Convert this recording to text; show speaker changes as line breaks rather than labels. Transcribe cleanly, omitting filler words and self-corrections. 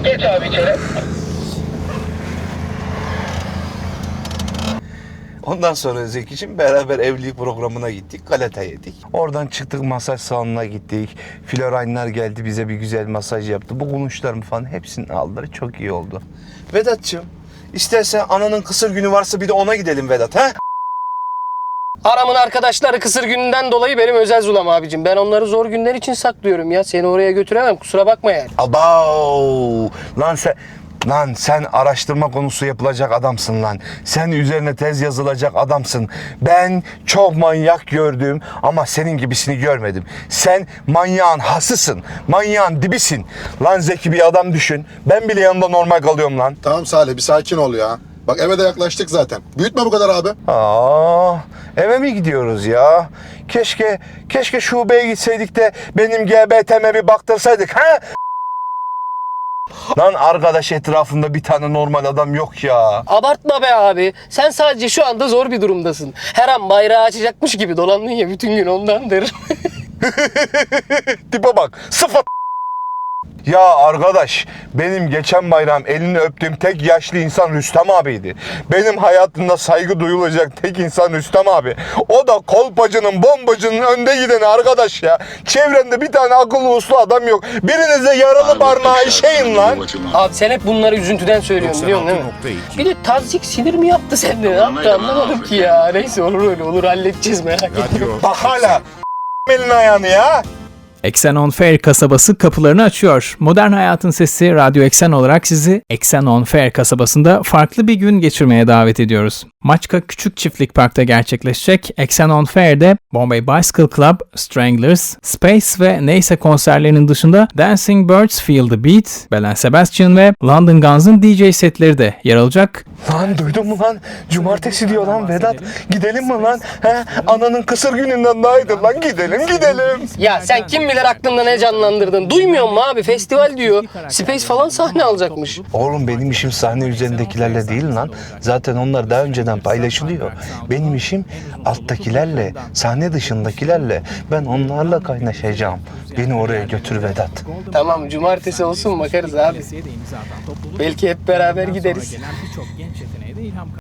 Geç abi içeri.
Ondan sonra Zeki'cim beraber evlilik programına gittik. Galata yedik. Oradan çıktık, masaj salonuna gittik. Floraynlar geldi, bize bir güzel masaj yaptı. Bu kulunçlarımı falan hepsini aldılar. Çok iyi oldu. Vedat'cığım, istersen ananın kısır günü varsa bir de ona gidelim Vedat, ha?
Aramın arkadaşları kısır gününden dolayı benim özel zulam abicim. Ben onları zor günler için saklıyorum ya. Seni oraya götüremem, kusura bakma yani.
Abav! Lan sen araştırma konusu yapılacak adamsın lan. Sen üzerine tez yazılacak adamsın. Ben çok manyak gördüm ama senin gibisini görmedim. Sen manyağın hasısın. Manyağın dibisin. Lan Zeki, bir adam düşün. Ben bile yanında normal kalıyorum lan.
Tamam Salih, bir sakin ol ya. Bak eve de yaklaştık zaten. Büyütme bu kadar abi.
Eve mi gidiyoruz ya? Keşke şubeye gitseydik de benim GBT'me bir baktırsaydık, ha? Lan arkadaş, etrafında bir tane normal adam yok ya.
Abartma be abi. Sen sadece şu anda zor bir durumdasın. Her an bayrağı açacakmış gibi dolandın ya bütün gün, ondandır.
Tipe bak, sıfır. Ya arkadaş, benim geçen bayram elini öptüğüm tek yaşlı insan Rüstem abiydi. Benim hayatımda saygı duyulacak tek insan Rüstem abi. O da kolpacının, bombacının önde gideni arkadaş ya. Çevrende bir tane akıllı uslu adam yok. Birinize yaralı parmağı işeyin lan.
Abi sen hep bunları üzüntüden söylüyorsun, biliyorsun değil mi? Bir de tazyik sinir mi yaptı sende? Ne yaptı anlamadım ki ya. Neyse, olur öyle olur, halledeceğiz, merak etme.
Bak hala elini ayağını ya.
Eksen On Fair kasabası kapılarını açıyor. Modern hayatın sesi Radyo Eksen olarak sizi Eksen On Fair kasabasında farklı bir gün geçirmeye davet ediyoruz. Maçka Küçük Çiftlik Park'ta gerçekleşecek Eksen On Fair'de Bombay Bicycle Club, Stranglers, Space ve Neyse konserlerinin dışında Dancing Birds Feel the Beat, Belen Sebastian ve London Guns'ın DJ setleri de yer alacak.
Lan duydun mu lan? Cumartesi diyor lan Vedat. Gidelim mi lan? He? Ananın kısır gününden daha iyidir lan. Gidelim.
Ya sen kim bilir aklında ne canlandırdın? Duymuyor musun abi? Festival diyor. Space falan sahne alacakmış.
Oğlum, benim işim sahne üzerindekilerle değil lan. Zaten onlar daha önceden paylaşılıyor. Benim işim alttakilerle, sahne dışındakilerle. Ben onlarla kaynaşacağım. Beni oraya götür Vedat.
Tamam, cumartesi olsun, bakarız abi. Belki hep beraber gideriz.